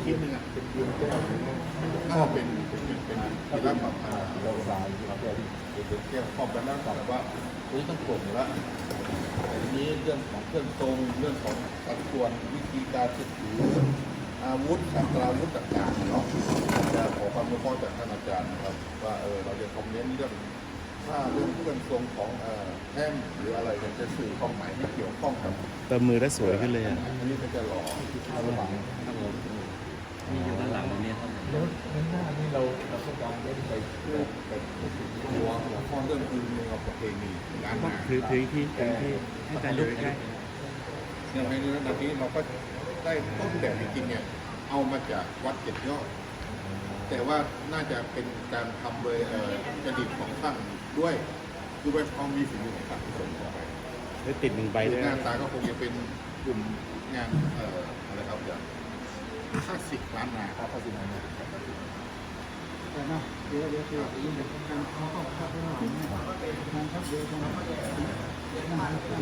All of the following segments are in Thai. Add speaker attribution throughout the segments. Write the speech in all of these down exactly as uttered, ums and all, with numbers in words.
Speaker 1: ชิ้นหนึ่งอ่ะเป็นชิ้นถ้าเป็นเป็นเป็นเป็นที่รับแบบเราสายเราแก้เป็นแก้ครอบกันแล้วแต่ว่านี้ต้องโปร่งแล้วแต่ทีนี้เรื่องของเครื่องทรงเรื่องของสัดส่วนวิธีการถืออาวุธสัตราวุธต่างๆเนาะจะขอความรู้ข้อจากท่านอาจารย์นะครับว่าเออเราจะคอมเมนต์เรื่องถ้าเรื่องเครื่องทรงของเอ่อแท่งหรืออะไรจะสื่อความหมายที่เกี่ยวข้องกับ
Speaker 2: เติมมือได้สวยขึ้นเลยอ่ะ
Speaker 1: อันนี้ก็จะหล่อระหว่าง
Speaker 3: มีอยู่ด้านหลังตรงนี้เท่านั้น
Speaker 4: แล้วแล้วหน้านี่เราเราต้องการเล่นไปเพื่อ
Speaker 1: เป็นหัวหัวข้อเรื่องคือเมืองประเพณีล้านนา
Speaker 2: ถือถือที่ถือที่ให้อาจารย์ดูใกล้
Speaker 1: อย่างในระดับนี้เราก็ได้ต้นแบบจริงๆเนี่ยเอามาจากวัดเจ็ดยอดแต่ว่าน่าจะเป็นการทำโดยเอ่อกระดิษของช่างด้วยคือว่าเขามีฝีมือของช่างที่ส่งออกไป
Speaker 2: ๆได้ติดหนึ่งใบด้วย
Speaker 1: หน้าตาก็คงจะเป็นกลุ่มงานเอ่ออะไรครับอย่างคลาสสิกล้านนาครับคลาสสิกล้านนา
Speaker 4: แต่นะเดี๋ยวเดี๋ยวคือยิ่งเป็นการเขาเข้าเข้าไปหน่อยเนี่ยการทับเดียวตรงนั้นนั่นคือ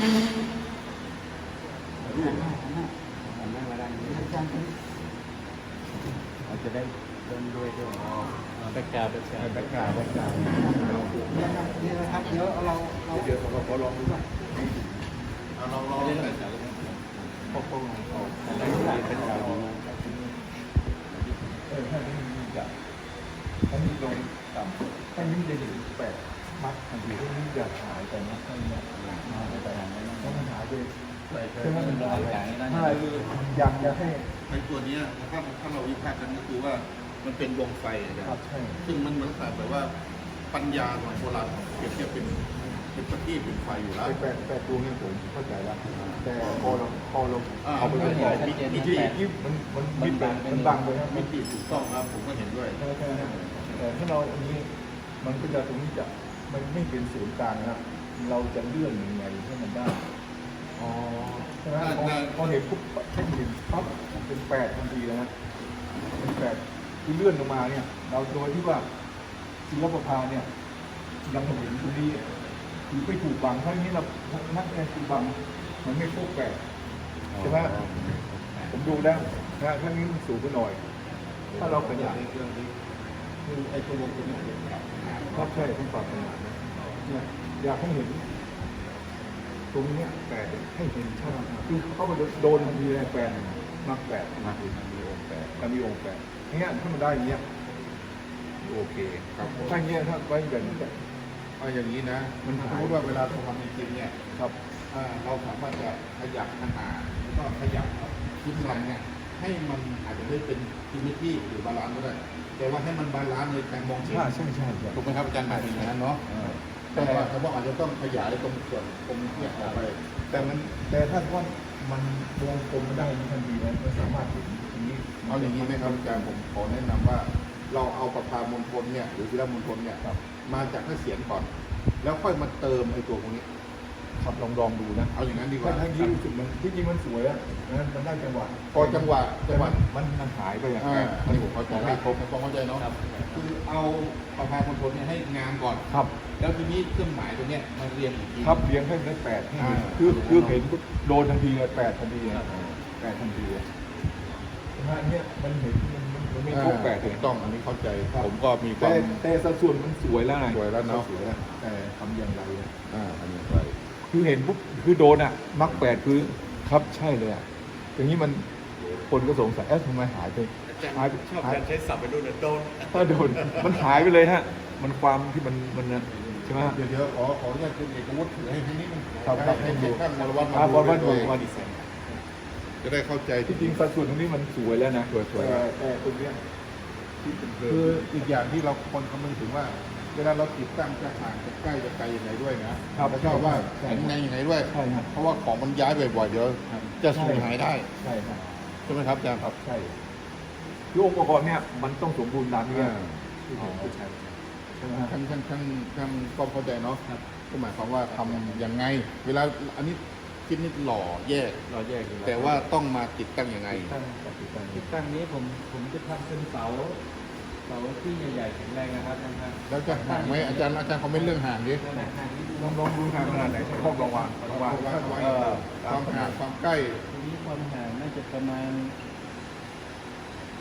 Speaker 4: รูปหน้าหน้าหน้ามาด้านนี้อาจารย์เราจะได้เดินด้วยด้วย
Speaker 2: แบ็กกราวด์แบ็กกราวด์
Speaker 4: แบ็กกราวด์แบ็กกราวด์นี่นะครับเดี๋ยวเราเรา
Speaker 1: เดี๋ยวเราขอลองดูว่าเอาลองลองใส่จาก
Speaker 4: ปกป้องเรา
Speaker 2: แบ็กกราวด์แบ็กกราวด์ดีมาก
Speaker 4: เออถ้านี้มีจะถ้านี้ลงต่ำถ้านี้จะอยู่แปดมัดทันทีถ้านี้จะหายไปนะถ้านี้มาไปแต่ถ้ามันหายไปถ้ามันหายไปถ้าอยากจะให้
Speaker 1: ในตัวนี้ถ้าถ้าเราวิพากษ์กันก็คือว่ามันเป็นดวงไฟนะครับ
Speaker 4: ใช่
Speaker 1: ซึ่งมันเหมือนแบบว่าปัญญาของโบราณเปรียบเทียบเป็นเป็นประทีปเป็นไฟอยู่แล้ว
Speaker 4: แปดแปดตัวนี้ผมเข้าใจแล้วแต่พอเราพอเรา
Speaker 1: อ่า
Speaker 4: เอาไป
Speaker 1: มัน
Speaker 4: ใส่
Speaker 1: มีมี
Speaker 4: ที่
Speaker 1: ที่
Speaker 4: ที่มันมันมันบังมันบังเลยครับ
Speaker 1: มิติถูกต้องครับผมก็เห็นด้วย
Speaker 4: ใช่ใช่แต่ถ้าเราอันนี้มันก็จะตรงนี้จะมันไม่เป็นศูนย์กลางนะเราจะเลื่อนยังไงให้มันได้
Speaker 1: อ๋อ
Speaker 4: ใช่ไหมพอพอเห็นปุ๊บแค่เห็นปั๊บเป็นแปดทันทีแล้วนะเป็นแปดที่เลื่อนลงมาเนี่ย เราโดยที่ว่าศิลปภาเนี่ยยังเห็นตรงนี้คือไม่ถูกบังเพราะงี้เรานักแสดงถูกบังมันไม่พวกแปดใช่ไหมผมดูแล้วนะถ้านี้มันสูงไปหน่อย ถ้าเราขยาย
Speaker 1: เครื่องนี้คือไอ้ตัววงตัวนี้เป็นแบบ
Speaker 4: ครับใช่ต้องปรับขนาดนะเนี่ยอยากให้เห็น ตรงเนี้ยแปดให้เห็นชัดคือเข้าไปโดนทันทีเลยแปดมักแปดมักมีองค์แปดมันมีองค์แปดอย่างเงี้ยถ้ามันได้อย่างเงี้ยโอเค
Speaker 1: ครับผม
Speaker 4: ถ้าอย่างเงี้ยถ้าไว้แบบนี้
Speaker 1: เอาอย่างนี้นะ มันสมมติว่าเวลาเราทำจริงๆเนี่ย
Speaker 4: ครับ
Speaker 1: อ่าเราสามารถจะขยับขนาดแล้วก็ขยับชิ้นลำเนี่ยให้มันอาจจะไม่เป็นซิมเมตรีหรือบาลานซ์ก็ได้แต่ว่าให้มันบาลานซ์ในการมองเห็น
Speaker 4: ใช่ใช่ใช่ใช่
Speaker 1: ถูกไหมครับอาจารย์หมายถึงอย่างนั้นเนาะ
Speaker 4: เออ
Speaker 1: แต่ว่าแต่ว่าอาจจะต้องขยายตรงส่วนตรงเนี้ยออกไป
Speaker 4: แต่มันแต่ถ้าว่ามันวงกลมมันได้ทันทีนะมันสามารถเห็นอย่างนี้
Speaker 1: เอาอย่างนี้ไหมครับอาจารย์ผมขอแนะนำว่า เราเอาประพามณฑลเนี่ยหรือศิลปมณฑลเนี่ยมาจากพระเศียรก่อน แล้วค่อยมาเติมไอ้ตัวพวกนี้
Speaker 4: ครับลองลองดูนะ
Speaker 1: เอาอย่างนั้นดีกว่า
Speaker 4: ถ้าทางนี้รู้สึกมันที่จริงมันสวยอะนะมันได้จังหวะ
Speaker 1: พอจังหวะจังหวะ
Speaker 4: มันมันหายไปอย่าง
Speaker 1: อ่า
Speaker 4: นั้น
Speaker 1: อันนี้ผมเข้าใจให้ครบในความเข้าใจเนาะคือเอาประพามณฑลเนี่ยให้งามก่อน
Speaker 4: ครับ
Speaker 1: แล้วทีนี้เครื่องหมายตัวเนี้ยมาเรียงอีกที
Speaker 4: ครับเลี้ยงให้ได้แปดให้เห็น
Speaker 1: อ่า
Speaker 4: คือคือเห็นปุ๊บโดนทันทีเลยแปดทันทีเลยแปดทันทีเลยนะฮะเนี่ยมันเห็นมันมันมันไม่ครบแปด
Speaker 1: ถูกต้องอันนี้เข้าใจ ผมก็มีค
Speaker 4: แต่
Speaker 1: วาม
Speaker 4: แต่สัดส่วนมันสวยแล้วไง
Speaker 1: สวยแล้วเนอะ
Speaker 4: สวยแล้วแต่ทำอย่างไรอะ
Speaker 1: อ่าอันนี้ไป
Speaker 4: คือเห็นปุ๊บคือโดนอ่ะมักแปดคือครับใช่เลยอ่ะอย่างนี้มันคนก็สงสัยเอ๊ะทำไมหายไปหายไป
Speaker 2: ชอบ
Speaker 4: หาย
Speaker 2: การใช้ศัพท์ไปดูนะโดน
Speaker 4: ถ้าโดนมันหายไปเลยฮะ มันความที่มันมันนะใช่ไหมฮะ
Speaker 1: เดี๋ยวเดี๋ยวขอขออนุญาตคุณเอกวุฒิถือให้ให้นิดนึง
Speaker 4: ครับครับ
Speaker 1: ให้ให้ท่านวรวัฒน์
Speaker 4: อ่า
Speaker 1: มา
Speaker 4: บอลว่า
Speaker 1: ดู
Speaker 4: ดู
Speaker 1: ด้วย
Speaker 4: ว่าดีไซน์
Speaker 1: จะได้เข้าใจ
Speaker 4: ที่จริงสัดส่วนตรงนี้มันสวยแล้วนะ
Speaker 1: สวยสวย
Speaker 4: แต่แต่ตรงเนี้ยที่เป็นเดิ
Speaker 1: คือ
Speaker 4: ม
Speaker 1: อีกอย่างที่เราคนคำนึงถึงว่า เวลาเราติดตั้งจะห่างจะใกล้จะไกลยังไงด้วยนะครับ แล้วก็ว่า
Speaker 4: ใช่
Speaker 1: แข็งแรงยังไงด้วย
Speaker 4: ใช่ครับ
Speaker 1: เพราะว่าของมันย้ายบ่อยๆเดี๋ยวจะสูญหายได้
Speaker 4: ใช่ครับ
Speaker 1: ใช่ไหมครับอาจารย์ครับ
Speaker 4: ใช่คือองค์ประกอบเนี่ยมันต้องสมบูรณ์ตามนี้
Speaker 1: อ่า
Speaker 4: ที่ผมพูดใช่ใช่ไหมฮะ
Speaker 1: ท่านท่านท่านท่านก็เข้าใจเนาะก็หมายความว่าทำยังไง เวลาอันนี้คิดนิดหล่อแยก
Speaker 4: เราแยกอยู่
Speaker 1: แต่ว่าต้องมาติดตั้งยังไง
Speaker 4: ตั้งกับติดตั้ง
Speaker 3: ที่ตั้งนี้ผมผมจะทำเป็นเสาเสาที่ใหญ่ๆแข็งแรงนะครับท่านครับ
Speaker 1: แล้วจะห่างไหมอาจารย์อาจารย์เขาไม่เรื่องห่างดิ
Speaker 3: ขนาดนี้
Speaker 4: ลองลองดูทางขนาดไหนครอบระวางระวาง
Speaker 1: ความ
Speaker 4: เออ
Speaker 1: ห่างความใกล้
Speaker 3: ทีนี้ความห่างน่าจะประมาณ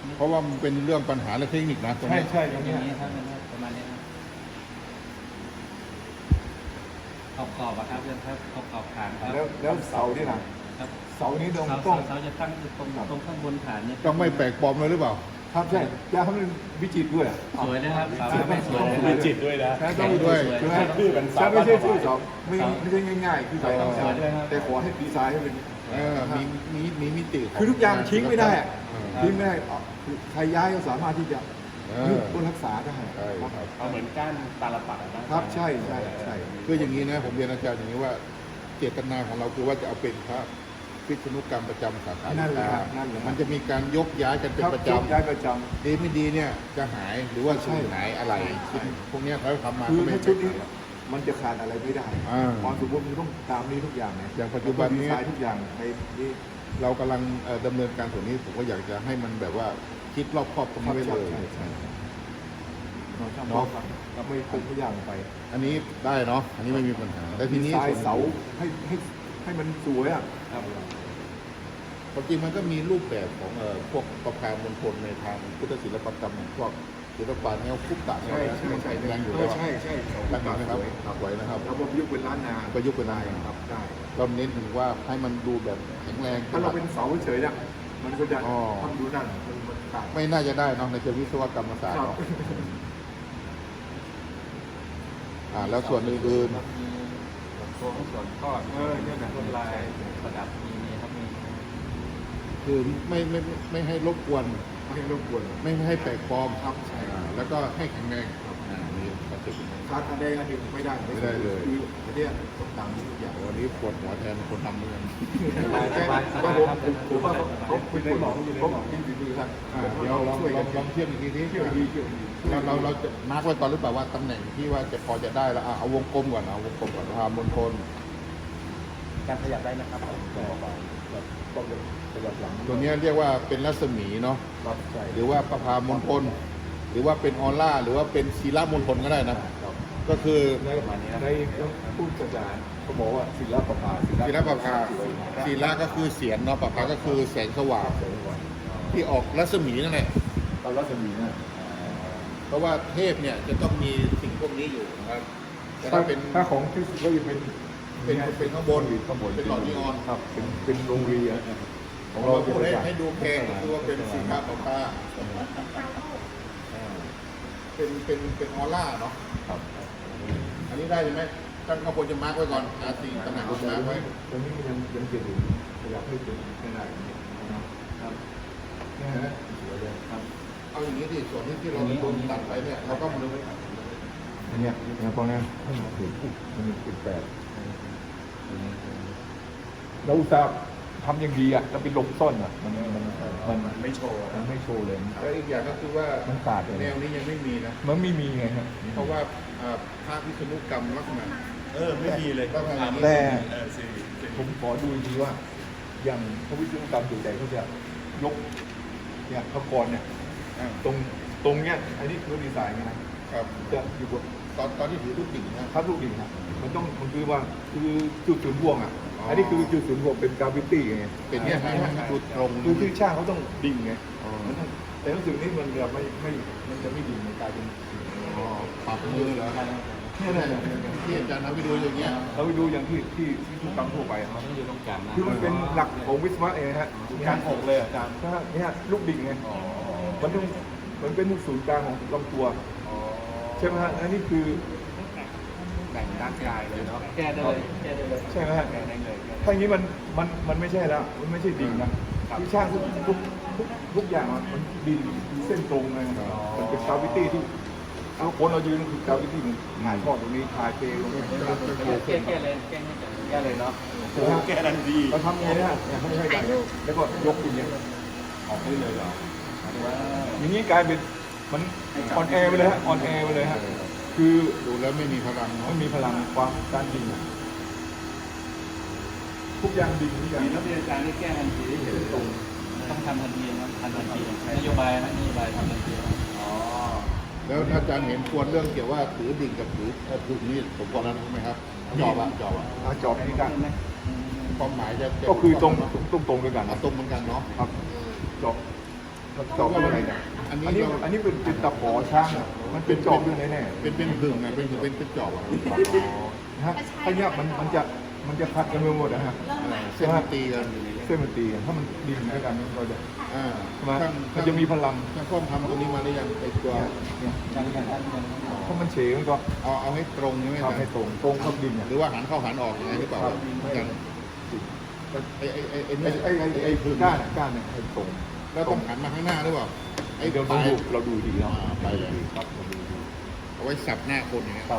Speaker 1: เพราะว่ามันเป็นเรื่องปัญหาและเทคนิคนะตรง
Speaker 4: ใช่
Speaker 1: นี้
Speaker 4: ใช่ต
Speaker 3: อ
Speaker 4: รง
Speaker 3: ย่าง
Speaker 4: เนี้ย
Speaker 3: นี้ครับประมาณนี้ครับขอบขอบอะครับเรื่องครับขอบขอบฐานครับ
Speaker 4: แล้วแล้วเสาเนี่ยนะครับ เสานี้ต้อง
Speaker 3: เสา
Speaker 4: ต้อง
Speaker 3: เสาจะตั้งอยู่ตรงตรงข้างบนฐานเนี่ย
Speaker 1: ต้องไม่แปลกปลอมเลยหรือเปล่า
Speaker 4: ครับใช่จะทำเป็นวิจิตรด้วย
Speaker 3: สวยนะครับเสาไม่สวย
Speaker 2: มีจิตด้วยนะ
Speaker 4: ใช่ต้อง
Speaker 1: ด้วย
Speaker 4: ใช่ไหม
Speaker 2: ชื่อเป็นเสา
Speaker 4: ใช่ไม่ใช่ชื่อเสา
Speaker 2: บ้าน
Speaker 4: ไม่ไม่ใช่ง่ายๆคือเสา
Speaker 1: เออ
Speaker 4: เสาแต่ขอให้ดีไซน์ให้เป็น
Speaker 1: เออมีมีมีมิติของ
Speaker 4: คือทุกอย่างทิ้งไม่ได้อะ
Speaker 1: เออ
Speaker 4: ทิ้งไม่ได้เอาคือใครย้ายก็สามารถที่จะ
Speaker 1: เออ
Speaker 4: ยึดต้นรักษาได้
Speaker 1: ใช่
Speaker 4: ครับ
Speaker 1: ครับ
Speaker 2: เอาเหมือนก้านตาลปัดอะนะครับ
Speaker 4: ใช่ใช่ใช่
Speaker 1: คืออย่างนี้นะผมเรียนอาจารย์อย่างนี้ว่าเจตนาของเราคือว่าจะเอาเป็นพระพิษณุกรรมประจำสาขา
Speaker 4: นั่นแหละ
Speaker 1: วิชา
Speaker 4: ครับนั่นแหละ
Speaker 1: มันจะมีการยกย้ายกันเป็น
Speaker 4: ครับ
Speaker 1: ประ
Speaker 4: ยก
Speaker 1: จำ
Speaker 4: ย้ายประจ
Speaker 1: ดีไม่ดีเนี่ยจะหายหรือว่า
Speaker 4: ใช่
Speaker 1: สูญหายอะไร
Speaker 4: ใช่
Speaker 1: พวกเนี้ยเขาทำมา
Speaker 4: ำคือ
Speaker 1: ก็ไม่
Speaker 4: ถ้า
Speaker 1: เป็
Speaker 4: ชุด
Speaker 1: น
Speaker 4: นี้มันจะขาดอะไรไม่ได้
Speaker 1: อ่า
Speaker 4: ความสมบูรณ์มันต้องตามนี้ทุกอย่างนะ
Speaker 1: อย่างปัจจุบันนี้
Speaker 4: ดีไซน์ทุกอย่างในนี้
Speaker 1: เรากำลังเอ่อดำเนินการส่วนนี้ผมก็อยากจะให้มันแบบว่าคิดรอบครอบตรงนี้ไว้เลย
Speaker 4: ใช่ใช่เราทำเราเราไม่ปรุงทุกอย่างไป
Speaker 1: อันนี้ได้เนาะอันนี้ไม่มีปัญหาแต่ที
Speaker 4: ดี
Speaker 1: นี้
Speaker 4: ไซน์เสาให้ให้ให้มันสวยอ่ะ
Speaker 3: ครับ
Speaker 1: ความจริงมันก็มีรูปแบบของเอ่อพวกประพามณฑลในทางพุทธศิลปกรรมพวกศิลปะแนวคุปตะ
Speaker 4: ใช่ใช่ใช่
Speaker 1: แรงอยู่
Speaker 4: เอ
Speaker 1: แล้
Speaker 4: อ
Speaker 1: ว
Speaker 4: ใช่ใช่เสา
Speaker 1: ตั้งเห็นไหมครับ
Speaker 4: สวย
Speaker 1: สวยนะครับ
Speaker 4: เราประยุกต์เป็นล้านนา
Speaker 1: ประยุกต์เป็นล้านนา
Speaker 4: ครับได้
Speaker 1: เราเน้นถึงว่าให้มันดูแบบแข็งแรง
Speaker 4: ถ้าเราเป็นเสาเฉยๆเนี่ยมันก็จะ
Speaker 1: อ๋อ
Speaker 4: ทำดูนั่นมันมันขาด
Speaker 1: ไม่น่าจะได้เนอะในเชิงวิศวกรรมศาสตร์
Speaker 4: ครับ
Speaker 1: เนาะอ่าแล้วส่วนอื่น
Speaker 3: มีโค้งส่วนทอด
Speaker 4: เออเนี่ยนะ
Speaker 3: ลวดลายประดับมีมีครับมี
Speaker 1: ๆคือไม่ไม่ไม่ไม่ให้รบกวน
Speaker 4: ไม่ให้รบกวน
Speaker 1: ไม่ให้แปลกปลอม
Speaker 4: ครับใช่
Speaker 1: อ่าแล้วก็ให้แข็งแรงอ่านี่คอนเซ็ปต์
Speaker 4: ขาดอันใดอันหนึ่งไม่ได้
Speaker 1: ไม่ได้เลย
Speaker 4: คืออันเนี้ยต้องตามนี้ทุกอย่าง
Speaker 1: วันนี้ปวดหัวแทนคนทำเหมือนกัน
Speaker 4: แต่ว่าผมผมว่าเขาคุณได้บอกเขาบอกที่ดีๆครับ
Speaker 1: อ่าเดี๋ยวลอง
Speaker 4: ช่วย
Speaker 1: ล
Speaker 4: กั
Speaker 1: อน งลองเทียบอีกทีนี้
Speaker 4: เที่ยวดีเที่ยวดี
Speaker 1: เราเราเราจะมาร์กไว้ก่อนหรือเปล่าว่าตำแหน่งที่ว่าจะพอจะได้แล้วอ่ะเอาวงกลมก่อนเอาวงกลมก่อนพามณฑล
Speaker 2: การขยับได้นะครับ
Speaker 4: ต้องเลยขยับหลัง
Speaker 1: ตัวเนี้ยเรียกว่าเป็นรัศมีเนาะ
Speaker 4: ครับใช่
Speaker 1: หรือว่าประพามณฑลหรือว่าเป็นออร่าหรือว่าเป็นศีลามณฑลก็ได้นะ
Speaker 4: ครับ
Speaker 1: ก็คือ
Speaker 4: ในในพูดกระจายเขาบอกว่าศิลปภา
Speaker 1: ศีลประภาศีลาก็คือเสียงเนาะประภาก็คือแสงสว่างที่ออกรัศมีนั่นแหละ
Speaker 4: เรารัศมีนะ
Speaker 1: เพราะว่าเทพเนี่ยจะต้องมีสิ่งพวกนี้อยู่นะครับแต่
Speaker 4: ถ้า
Speaker 1: ถ้า
Speaker 4: เป็
Speaker 1: เป็น น
Speaker 4: ถ้าของที่สุดก็จะเป็น
Speaker 1: เป็นเป็นข้างบน
Speaker 4: ข้างบน
Speaker 1: เป็นหลอดนีออน
Speaker 4: ครับเป็นเป็นโรงเรียนของ
Speaker 1: เรา
Speaker 4: เรา
Speaker 1: พูดให้
Speaker 4: จะ
Speaker 1: ให้ดูแพงก็คือว่าเป็นศีลาประภาเป็นเป็นเป็นออร่าเนาะ
Speaker 4: ครับ
Speaker 1: อันนี้ได้ไหมท่านก็ควรจะมาร์กไว้ก่อนอาตีตำแหน่งมาร์กไว้
Speaker 4: ตอนนี้ยังยังเกิดอยู่ขยับไม่ถึงไม่ได้นะครับนี่ฮะสวยเลยครับ
Speaker 1: เอาอย่างนี้ดิส่วนที่ที่เราโดนตัดไปเนี่ยเราก็มาดูไว้
Speaker 4: อันเนี้ยเนี่ยพอนี้ให้มันถึงมันเป็นแปดเราอุตส่าห์ทำอย่างดีอ่ะแล้วไปหลบซ่อนอ่ะมันมันมัน
Speaker 2: ไม่โชว์
Speaker 4: มันไม่โชว์เลย
Speaker 1: แล้วอีกอย่างก็คือว่า
Speaker 4: มันขาดเลย
Speaker 1: แนวนี้ยังไม่มีนะ
Speaker 4: มันไม่มีไงฮะ
Speaker 1: เพราะว่าอ่าภาควิษณุกรรมลักษณะ
Speaker 2: เออ ไม่มีเลย
Speaker 1: ต้องทำอย่างนี้
Speaker 4: แต่
Speaker 2: เออสิ
Speaker 4: ผมขอดูอีกทีว่า อย่างพระวิศนุกรรมส่วนใหญ่เขาจะยกเนี่ยพระกรเนี่ย
Speaker 1: อ่า
Speaker 4: ตรงตรงเนี้ยอันนี้คือดีไซน์ไงนะครับ จะอยู่บน
Speaker 1: ตอนตอนที่ถือลูกดิ่งนะ
Speaker 4: ทับลูกดินครับมันต้องมันคือว่าคือจุดศูนย์รวมอ่ะ
Speaker 1: อ๋ออั
Speaker 4: อันนี้คือจุดศูนย์รวมเป็นกราฟิตี้ไง
Speaker 1: เป็นเนี่ยให้ให้จุดตรง
Speaker 4: คือที่ช่างเขาต้องดิ่งไง
Speaker 1: อ๋อ
Speaker 4: มันต้องแต่รู้สึกนี่มันจะไม่ไม่มันจะไม่ดิ่งมันกลายเป็น
Speaker 1: อ๋อปรับมือเหรอ
Speaker 4: เนี่ยเนี่ยเนี่ยเนี่ย
Speaker 1: ที่อาจารย์ทำไปดูอย่างเงี้ย
Speaker 4: เราไปดูอย่างที่ที่ที่ทุกครั้งทั่วไปอะ
Speaker 3: มันต้องอยู่ตรงกลางนะ
Speaker 4: คือมันเป็นหลักของวิศวะเองนะฮะ
Speaker 2: กลางอกเลยอาจารย์
Speaker 4: ถ้าเนี่ยลูกดิ่งไงมันต้องมันเป็นศูนย์กลางของลำตัวใช่ไหมฮะอันนี้คือ
Speaker 2: แบ่งด้านกายเลยเนาะ
Speaker 3: แก้ได้เลยแก้ได้เลย
Speaker 4: ใช่ไหมฮะ
Speaker 2: แบ่งได้เลย
Speaker 4: ถ้าอย่างนี้มันมันมันไม่ใช่แล้วมันไม่ใช่ดิ่งนะที่ช่างทุกทุกทุกทุกอย่างอะมันดิ่งเส้นตรงเลยมันเป็นกราฟิตี้ที่เอาคนเรายืนคือกราฟิตี้มันหายทอดตรงนี้คาเทตรงนี้
Speaker 3: แก้แก้เลยแก้ให้จัดแก้เลยเนาะ
Speaker 2: แก้ทันที
Speaker 4: เราทำยังไงเนี่ยเนี่ยเขาไม่ให้ได้แล้วก็ยกอย่างเงี้ยออกได้เลยเหรออย่างนี้กลายเป็นมันออนแอร์ไปเลยฮะออนแอร์ไปเลยฮะคือ
Speaker 1: ดูแล้วไม่มีพลังเนาะ
Speaker 4: ไม่มีพลังความการดิ่งอะทุกอย่างดิ่งทุกอย่าง
Speaker 3: มีนักวิชาการที่แก้ทันทีที่เห็นตรงต้องทำทันทีนะทำทันทีนโยบายนะนโยบายทำทันทีนะ
Speaker 2: อ๋อ
Speaker 1: แล้วอาจารย์เห็นควรเรื่องเกี่ยวว่าถือดิ่งกับถือเอ่อถือนี่ผมบอกแล้วนะใช่ไหมครับจอบอะจอบอะ
Speaker 4: อาจอบนี่กัน
Speaker 1: ความหมายจะจะ
Speaker 4: ก็คือตรงตรงตรงด้วยกัน
Speaker 1: อ่ะตรงเหมือนกันเนาะ
Speaker 4: ครับจอบจอบอะไรเนี่ย
Speaker 1: อันนี้
Speaker 4: อันนี้
Speaker 1: เรา
Speaker 4: อันนี้เป็นเป็นตะขอช่างอะมันเป็นจอบด้วยแน่ๆ
Speaker 1: เป็นเป็นหึ่งอ่ะเป็นหึ่งเป็นเป็นจอบอ่ะ
Speaker 4: นะฮะถ้าเนี้ยมันมันจะมันจะพัดกันไปหมดนะฮะ
Speaker 1: เส้นมันตีกัน
Speaker 4: เส้นมันตีกันถ้ามันดินด้วยกันมันก็จะ
Speaker 1: อ่า
Speaker 4: ใช่ไหม
Speaker 1: ช่าง
Speaker 4: มันจะมีพลัง
Speaker 1: ช่างข้อมทำตรงนี้มาได้ยังไอ้ตัว
Speaker 4: เนี่ย
Speaker 3: การการการการ
Speaker 4: ถ้ามันเฉมันก็
Speaker 1: เอาเอาให้ตรงใช่ไหม
Speaker 4: ทำให้ตรงตรงกับดินเนี่ย
Speaker 1: หรือว่าหันเข้าหันออกยังไงหรือเปล่า
Speaker 4: ครับ
Speaker 1: อย่างไอ้ไอ้ไอ้ไอ้
Speaker 4: ไอ้
Speaker 1: เนี่ย
Speaker 4: ไอ้ไอ้ไอ้
Speaker 1: หึ่ง
Speaker 4: ก้านอะก้านเนี่ยให้ตรง
Speaker 1: เราต้องหันมาข้างหน้าหรือเปล่าไอ้
Speaker 4: เดี๋ยว
Speaker 1: ป
Speaker 4: เรา
Speaker 1: ลาย
Speaker 4: ดูเราดูดีแล้ว
Speaker 1: อ่าไปเลย
Speaker 4: ครับเราดูดี
Speaker 1: เอาไว้สับหน้าคนอย่างเงี้ย
Speaker 4: ครับ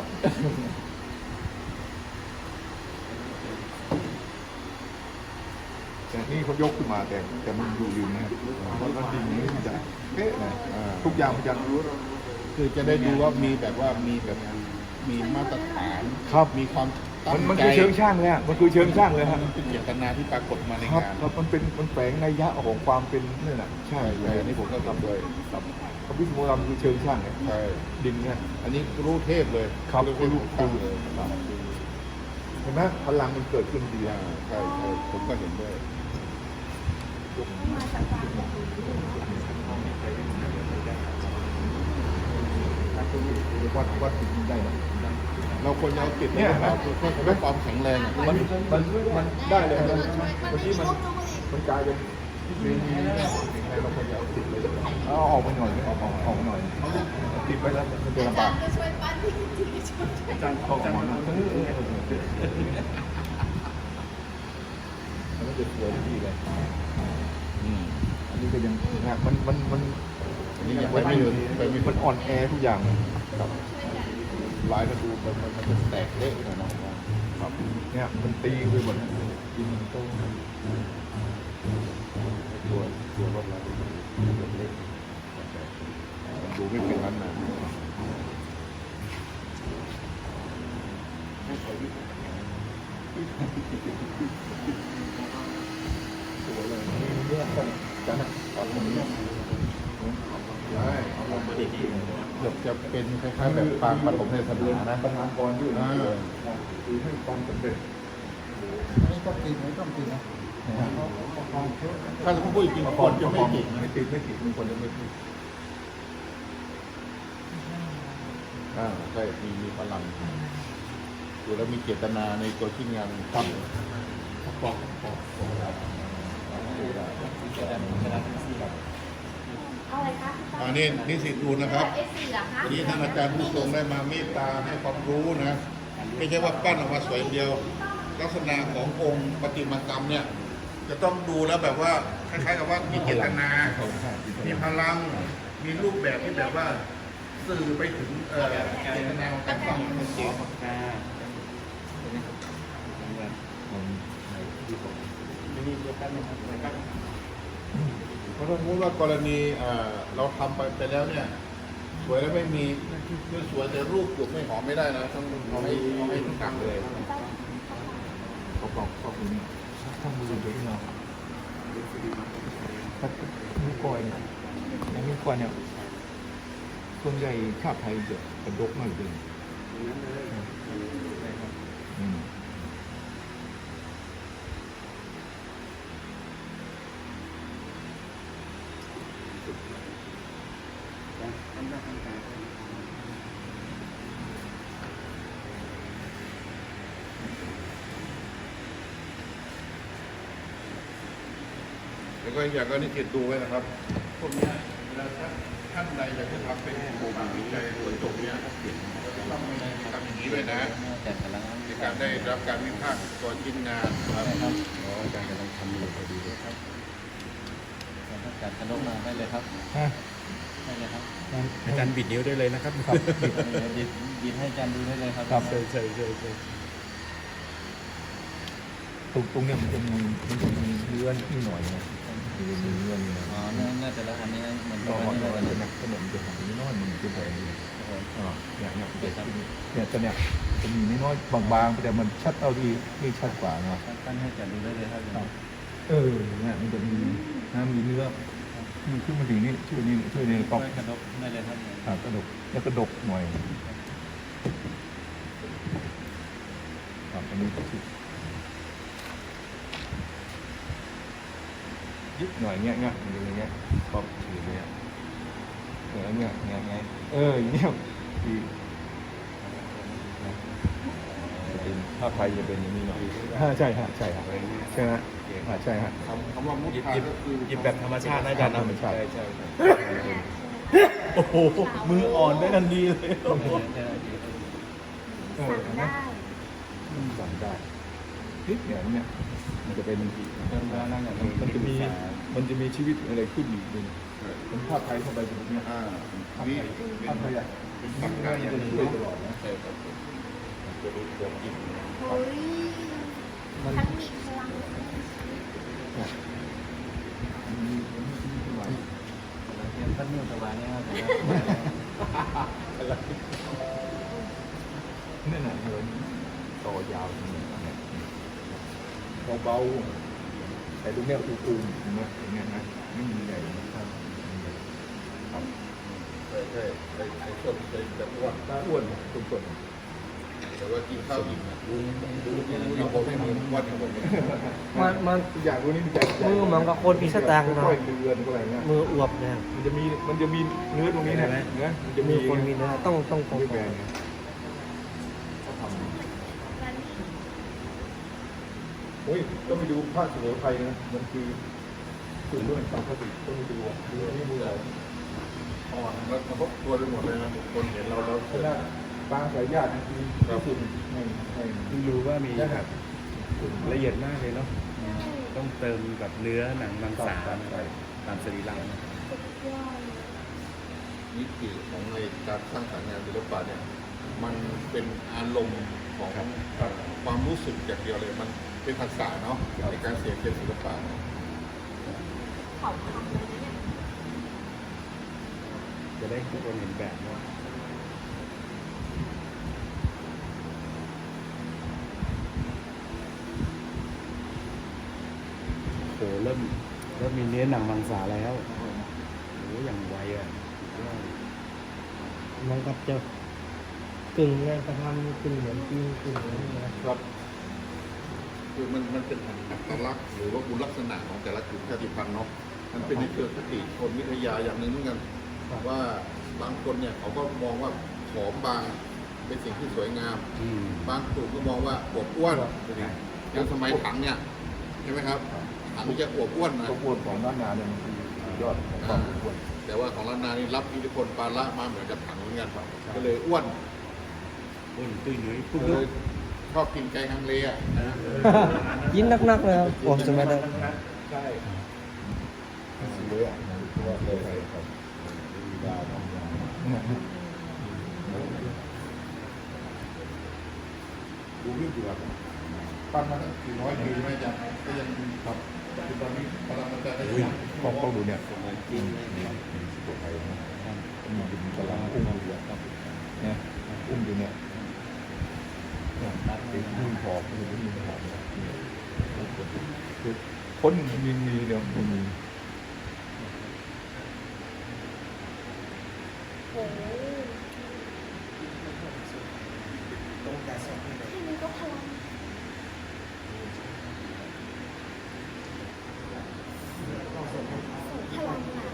Speaker 4: แต่นี่เขายกขึ้นมาแต่แต่มันอยู่ริมนะครับเพราะว่าดินนี้มันจะเป๊ะนะ
Speaker 1: อ่า
Speaker 4: ทุกอย่างมันจะ
Speaker 1: คือจะได้ดูว่ามีแบบว่ามีแบบมีมาตรฐาน
Speaker 4: ครับ
Speaker 1: มีความตั้
Speaker 4: มัน
Speaker 1: ง
Speaker 4: มัน
Speaker 1: ใจ
Speaker 4: คือเชิงช่างเลยฮะมันคือเชิงช่างเลยฮะ
Speaker 1: มันเป็นเจตนาที่ปรากฏมาใน
Speaker 4: ครับ
Speaker 1: งาน
Speaker 4: ครับมันเป็นมันแฝงนัยยะของความเป็นนี่นน่ะใช่
Speaker 1: ใช่ใช่อันนี้ผมก็ทำด้วย
Speaker 4: ครับพระพิษโมรามคือเชิงช่างเนี่ย
Speaker 1: ใช่
Speaker 4: ดินเนี่ย
Speaker 1: อันนี้รู้เทพเลย
Speaker 4: ครับ
Speaker 1: รู้เทพ
Speaker 4: รู้
Speaker 1: ตั้งเลย
Speaker 4: ครับเห็นไหมพลังมันเกิดขึ้นดี
Speaker 1: อ่า
Speaker 4: อ่ะ
Speaker 1: ใช่ใช่ผมก็เห็นด้วย
Speaker 4: วัดวัดถึงได้นะ
Speaker 1: เราควรจะเอาติด
Speaker 4: เนี่ย
Speaker 1: เปล่าเพื่อเพื่อความแข็งแรงอ่ะ
Speaker 4: มันมันมันได้เลยนะเมื่อกี้มันมันกลายเป็นมีมีอะไรเราควรจะเอาติดเลยเอาออกไปหน่อยออกออกออกหน่อยติดไปแล้วมันจะลำบาก
Speaker 5: ก็ช่วยปั้นพี่กิตติช่วย
Speaker 4: อาจารย์ออกมาแล้วมันจะสวยดีเลย
Speaker 1: อืม
Speaker 4: อันนี้ก็ยังนะมันมันมัน
Speaker 1: อันนี้ยังไปไม่ถึงไปไม่ถึ
Speaker 4: มัน
Speaker 1: ง
Speaker 4: อ่อนแอทุกอย่างครับ
Speaker 1: ลายมันดูมันมันมันจะแตกเละหน่อยเนาะครับ
Speaker 4: เนี่ยมันตีไปหมดดินมันโต
Speaker 1: ตัวตัวรถเราดูเล็กมันดูไม่เป็นนั้นนะ
Speaker 4: สวยเลยนี่เนี่ยจันทร์ตัดผมเนี่ย
Speaker 1: ใช่เกือบจะเป็นคล้ายๆแบบปางปฐมเทศนานะ
Speaker 4: ประธานกรอยู่นะ
Speaker 1: อ่า
Speaker 4: คือให้ความสำเร็จ
Speaker 1: ไม่ต้องติดไม่ต้องติดนะถ้าเราพูดจริงๆคนจะไม่ติดนะ
Speaker 4: ไม่ติดไม่ติดมีคนจะไม่ติด
Speaker 1: อ่าใช่มีมีพลังดูแล้วมีเจตนาในตัวที่งานทำปอกปอกปอก
Speaker 5: เอาอะไรคะพี่
Speaker 1: อันนี้นิสิตดูนะครับ
Speaker 5: เอสสี่เหรอคะ
Speaker 1: วันนี้ท่านอาจารย์ผู้ทรงได้มาเมตตาให้ความรู้นะ ไม่ใช่ว่าปั้นออกมาสวยอย่างเดียว ลักษณะขององค์ประติมากรรมเนี่ย จะต้องดูแล้วแบบว่าคล้ายๆกับว่ามีเจตนา มีพลัง มีรูปแบบที่แบบว่าสื่อไปถึงเอ่อเจตนาของการฟังของจริงเพราะถ้าสมมติว่ากรณีเอ่อเราทำไปไปแล้วเนี่ย สวยแล้วไม่มีคือสวยแต่รูปจุกไม่หอมไม่ได้นะต้องเอาให้เอาให้ทุกอย่างเลย
Speaker 4: เขาบอกเขาเป็นทำมือเยอะเนาะถ้านิ้วก้อยเนี่ยอย่างนิ้วก้อยเนี่ยส่วนใหญ่ชาติไทยจะกระดกมากเลยอืม
Speaker 1: แล้วก็อีกอย่างก็นิสิตดูไว้นะครับ พวกเนี้ยเวลาท่านท่านใดอยากจะทำเป็นโครงการวิจัยกระจกเนี้ยต้องมีทำอย่างนี้ด้วยนะ
Speaker 3: แต่แต่ละ
Speaker 1: ในการได้รับการวิพากษ์ก่อนชิ้นงานครับ
Speaker 3: ครับอาจารย์กำลังทำอยู่พอดีเลยครับอาจารย์ขนมมาได้เลยครับ
Speaker 4: ฮะ
Speaker 3: ได้เลยครับ
Speaker 2: อาจารย์บิดนิ้วได้เลยนะครับ
Speaker 4: ครับ
Speaker 3: ยิบยิบให้อาจารย์ดูได้เลยครับ
Speaker 4: ครับ
Speaker 2: ใช่ใช่ใช่ใช่
Speaker 4: ตรงตรงเนี้ยมันจะมีมันจะมีเนื้อนิดหน่อยนะมันจะมีเนื้อนิดหน่อย
Speaker 3: อ๋อน่าจะละอันนี้เหมือน
Speaker 4: ก็
Speaker 3: กัน
Speaker 4: หอ
Speaker 3: นี่
Speaker 4: ย
Speaker 3: เลย
Speaker 4: นะขนมจะหอมนิดหน้อยมันจะแบบนี้อ่าเนี่ยเนี่ยเนี่ยตัวเนี้ยจะมีนิดน้อยบางๆแต่มันชัดเอาดีนี่ชัดกว่านะ
Speaker 3: ตั้งให้อาจารย์ดูได้เลยครับ
Speaker 4: เออเนี่ยมันจะมีน้ำมีเนื้อมันขึ้นมาถึงนี่ช่วยนี่ช่วยนี่
Speaker 3: ต้
Speaker 4: ต้
Speaker 3: อ
Speaker 4: อง ง
Speaker 3: กระดกได้เลยครับ
Speaker 4: อ่ากระดกแล้วกระดกหน่อยครับอันนี้ก็คือยึดหน่อยเงี้ยเงี้ยอย่างเงี้ยชอบถือเงี้ยเออเงี้ยเงี้ยเงี้ยเอออย่างเงี้ยคือจะเป็นภาพไทยจะเป็นอย่างนี้หน่อยใช่ฮะใช่ฮะใช่ฮะใช่ฮะ
Speaker 1: คำคำว่ามุด
Speaker 2: หยิบ
Speaker 1: ทา
Speaker 2: หยิบ
Speaker 1: ก็คือ
Speaker 2: หยิบแบบธรรมชาตินะอาจารย์นะ
Speaker 4: ธรรมชาติ
Speaker 2: ใช่ใช่ใช่โอ้โหมืออ่อนได้ทันทีเลยโอ้โห
Speaker 4: เออ
Speaker 5: สั่ง
Speaker 4: เห็นไหม
Speaker 5: ได้
Speaker 4: มันสั่งได้นิดเนี่ยเนี่ยมันจะเป็น
Speaker 3: เริ่มแล้วนั่งอย่าง
Speaker 4: มันมันจะมีมันจะมีชีวิตอะไรขึ้นอีกหนึ่งเป็นภาพไทยเข้าไปตรงนี้
Speaker 1: อ่า
Speaker 4: ภาพ
Speaker 1: นี่
Speaker 4: ไทย
Speaker 1: เป็น
Speaker 4: ภาพไทยอ่ะ
Speaker 1: เป็นตักกาอย่างหนึ่ง
Speaker 4: ช่วย
Speaker 1: เนาะ
Speaker 4: ตลอดนะ
Speaker 1: ใช่ครับผมมันจะรู้ความจริง
Speaker 5: เฮ้ยทั้งมีพลัง
Speaker 4: มันมีมันมีชีวิตขึ้นมา
Speaker 3: เตรียมพัดนุ่นสบายเนี่ยครับ
Speaker 4: เนี่ยนะเหินต่อยาวตรงนี้เนี่ยเบาๆแต่ตรงเนี้ยอูมๆเห็นไหมอย่างเงี้ยนะไม่มีใหญ่นะครับครับ
Speaker 1: ใช่ใช่ไอ้ไอ้ส่วนไอ้แบบอ้วน
Speaker 4: ตาอ้วนตุ่ม
Speaker 1: แต่ว่ากินข้าวอิ่มนะดูดูดูดูผมไม่เหมือนวันของผมเลย
Speaker 6: มันมัน
Speaker 4: ๆอยากรู้นี่มันจะ
Speaker 6: มือมันกับคนมีสตางค์เนาะ
Speaker 4: ค่อยๆเดือนก็อะไรเงี้ย
Speaker 6: มืออวบเนี่ย
Speaker 4: มันจะมีมันจะมีเนื้อตรงนี้นะเนื้อมันจะ
Speaker 6: มื
Speaker 4: มี
Speaker 6: อคนมีเนื้อต้องต้องตรง
Speaker 4: ไม่แบนไงเขาทำโอ้ยต้องไปดูภาคสุโขทัยนะมันคือสูตรด้วยความคลาสสิกต้องไปดูอ่ะดูอันนี้มืออะไร
Speaker 1: อ่อนแล้วกระทบตัวไปหมดเลยนะคนเห็นเราเรา
Speaker 4: ขนาดปลาสายญาตินี่คือที่สุดในใน
Speaker 2: เพิ่งรู้ว่ามีแบบละเอียดมากเลยเนาะต้องเติมแบบเนื้อหนังมังสาตามสรีระ
Speaker 1: วิถีของในการสร้างสรรค์งานศิลปะเนี่ยมันเป็นอารมณ์ของความรู้สึกอย่างเดียวเลยมันเป็นภาษาเนาะในการเสียเขียนศิลปะ
Speaker 5: เขาทำเลยเนี่ย
Speaker 2: จะได้ทุกคนเห็นแบบว่าโหเริ่มเริ่มมีเนื้อหนังมังสาแล้วโอ้อย่างไวอ่ะ
Speaker 6: มันกับจะกึ่งงานกระทำกึ่งเหมือนจริงกึ่งเหมือนนี่นะครับ
Speaker 1: คือมันมันเป็นอัตลักษณ์หรือว่าคุณลักษณะของแต่ละกลุ่มชาติพันธุ์เนาะมันเป็นในเชิงคติคนวิทยาอย่างหนึ่งเหมือนกันว่าบางคนเนี่ยเขาก็มองว่าผอมบางเป็นสิ่งที่สวยงาม
Speaker 2: อืม
Speaker 1: บางกลุ่มก็มองว่าอวบอ้วนอย่างสมัยถังเนี่ยใช่ไหมครับถังจะอวบอ้วนนะ
Speaker 4: ตัวอ้วนของด้านนาเนี่ยมันคือสุดยอดของความอ้วน
Speaker 1: แต่ว่าของล้านนานี่รับอิทธิพลปาละมาเหมือนกับถังเหมือนกันก็เลยอ้วน
Speaker 2: อ้วนตุ้ยนุ้ยปุ๊บ
Speaker 1: ก็เลยชอบกินไก่ฮังเลอ่ะนะ
Speaker 6: ยินนักๆเลยครับผมจะไม่ได้
Speaker 4: ใช่เลยอ่ะตัวเลยครับมีดาวทำงาน
Speaker 1: ดูเรื่องดีกว่าปั้นมาตั้งสี่ร้อยปีไม่ยังก็ยังครับคือตอนนี้พลังมันจะได้ยัง
Speaker 4: พอเขาดูเนี่ยจริงสุโขทัยนะมีดินกำลังอุ้มอยู่เนี่ยอุ้มอยู่เนี่ยเป็นอุ้มหอบเป็นอุ้มหอบคือคนมีมีเดียวมันมี
Speaker 5: โอ้โหแค่นี้ก็พลังส่งพลังอ่ะ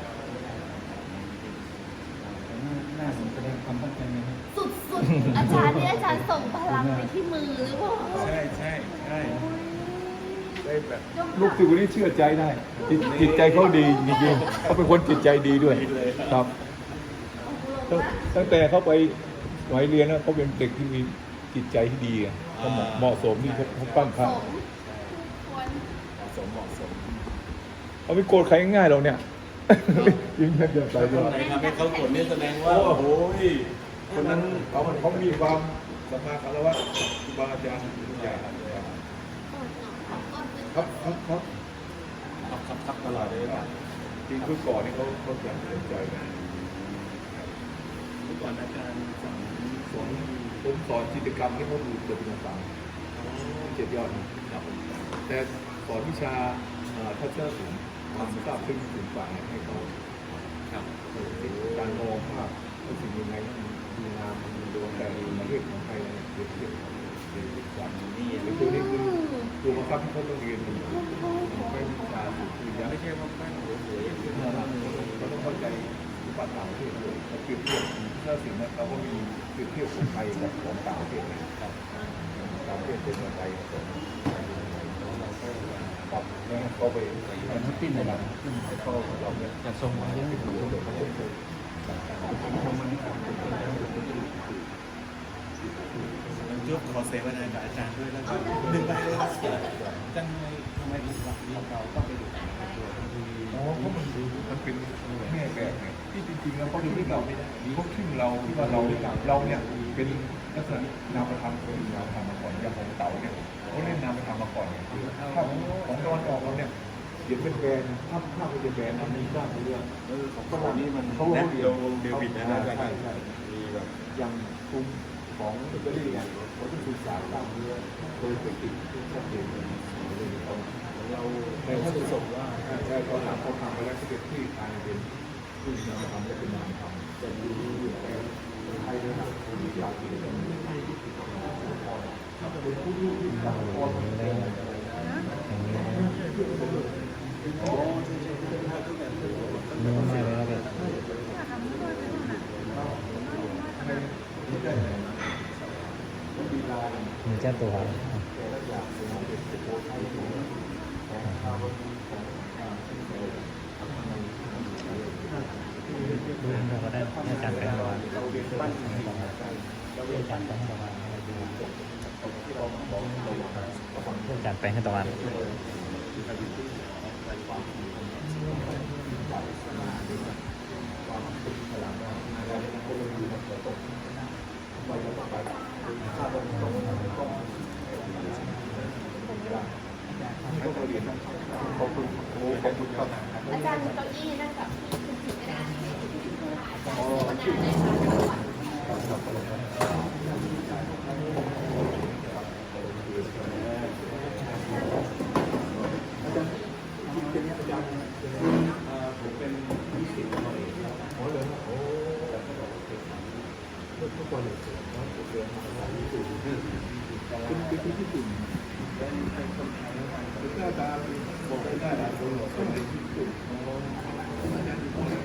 Speaker 3: หน้าผมแสดงความตั้งใจนะครับ
Speaker 5: สุดๆ อาจารย์นี่อาจารย์ส่งพลังไปที่มือหรือเปล่า
Speaker 2: ใช่ใช่ใช่
Speaker 4: ได้แบบลูกศิษย์คนนี้เชื่อใจได้ จิตจิตใจเขาดีจริงๆเขาเป็นคนจิตใจดีด้วยครับตั้งตั้งแต่เขาไปสมัยเรียนนะเขาเป็นเด็กที่มีจิตใจที่ดีอะเขาเหมาะเหมาะสมที่เขาเขาปั้น
Speaker 5: ส
Speaker 4: พระ
Speaker 5: มควร
Speaker 2: สมเหมาะสม
Speaker 4: เขาไม่โกรธใครง่ายๆเราเนี่ยยิ่งแค่เดินไปด้วย
Speaker 2: ใครทำให้เขากดนี่แสดงว่าโอ้โหคนนั้น
Speaker 4: เขาเขามีความสัมมาคารวะครูบาอาจารย์ทุกอย่างครับครับครับ
Speaker 2: ขับขับขับตลอดเลยป่ะ
Speaker 4: จริงคือก่อนนี่เขาเขาอยากสนใจนะ
Speaker 2: เมื่อก่อนอาจารย์สอน
Speaker 4: สอนผมสอนจิตรกรรมที่เขาดูเกิดเป็นต่างๆเจ็ดยอดนะครับแต่สอนวิชาเอ่อทัศนศิลป์ความทราบซึ้งถึงฝ่ายให้เขา
Speaker 2: ครับ
Speaker 4: เออการมองภาพว่าสิ่งยังไงมันดีงามมันมีดวงแต่ประเทศของไทยเนี่ยเปรียบเทียบเปรียบเทียบกัน
Speaker 2: นี่
Speaker 4: หรือตัวนี้คือตัวบังคับที่เขาต้องเรียนอยู่ไม่วิชาสุดคือยังไม่ใช่ว่าแม่งโอ้โหเราต้องเข้าใจอุปถัมภ์ที่เราเปรียบเทียบถ้าสิ่งนั้นเราก็มีเปรียบเทียบของไทยกับของต่างประเทศนะครับต่างประเทศเป็นอะไรของปรับแล้วก็ไปให้มันติ้นในหลังขึ้นให้เข้าเราเนี่ย
Speaker 3: จะส่งมาเยอะ
Speaker 2: จุ๊บขอเสวนากับอาจารย์ด้วยแล้วก็หนึ่งไปเลยครับจังเลยทำไมถึงหลักเรียนเราต้องไปดูตัวที
Speaker 4: อ๋อเพราะมันมันเป็นแม่แบบไงที่จริงๆแล้วเขาดูที่เราไม่ได้มีพวกชื่อเราที่ว่าเราเราเนี่ยเป็นลักษณะนามธรรมเป็นนามธรรมมาก่อนอย่างของเต่าเนี่ยเขาเล่นนามธรรมมาก่อนเนี่ยถ้าของตะวันออกเราเนี่ยเดี๋ยวเป็นแบรนด์ถ้าถ้าเป็นแบรนด์มันมีบ้างเรื่องเออของตะวันนี้มันเขาเรียนเดวิดนะใช่ใช่มีแบบอย่างกลุ่มของอิตาลีเนี่ยเขาต้องศึกษาตามเรื่องโดยเทคนิคที่ชัดเจนเลยเราในถ้าจะส่งว่าใช่เขาทำเขาทำไปแล้วที่เป็นที่ทางเป็นที่นามธรรมและเป็นนามธรรมแต่ดูแต่ไทยระดับผู้ที่อยากที่จะมีให้ที่ติดต่อถ้าเป็นผู้ที่ติดต่อคนได้อ๋อใช่ใช่ใช่ถ้าตั้งแต่เริ่ม
Speaker 6: ไม่เลยนะเด็กมีเจ้าตัวดูเราก็ได้อาจารย์แปลงร้อนอาจารย์แปลงให้ตะวันอาจารย์แปลงให้ตะวัน
Speaker 5: อาจารย์มีเก้าอี้นั่งกับคุณถือไม่ได้อาจารย์มานานเลย
Speaker 4: ผมเป็นวิสิตหน่อยโอ้เลยโอ้ทุกคนเลยนะผมเรียนมาหลายวิสิตเป็นเป็นที่ญี่ปุ่นเป็นเป็นคนไทยเป็นหน้าตาบอกได้หลายคนหรอกเป็นที่ญี่ปุ่นอาจารย์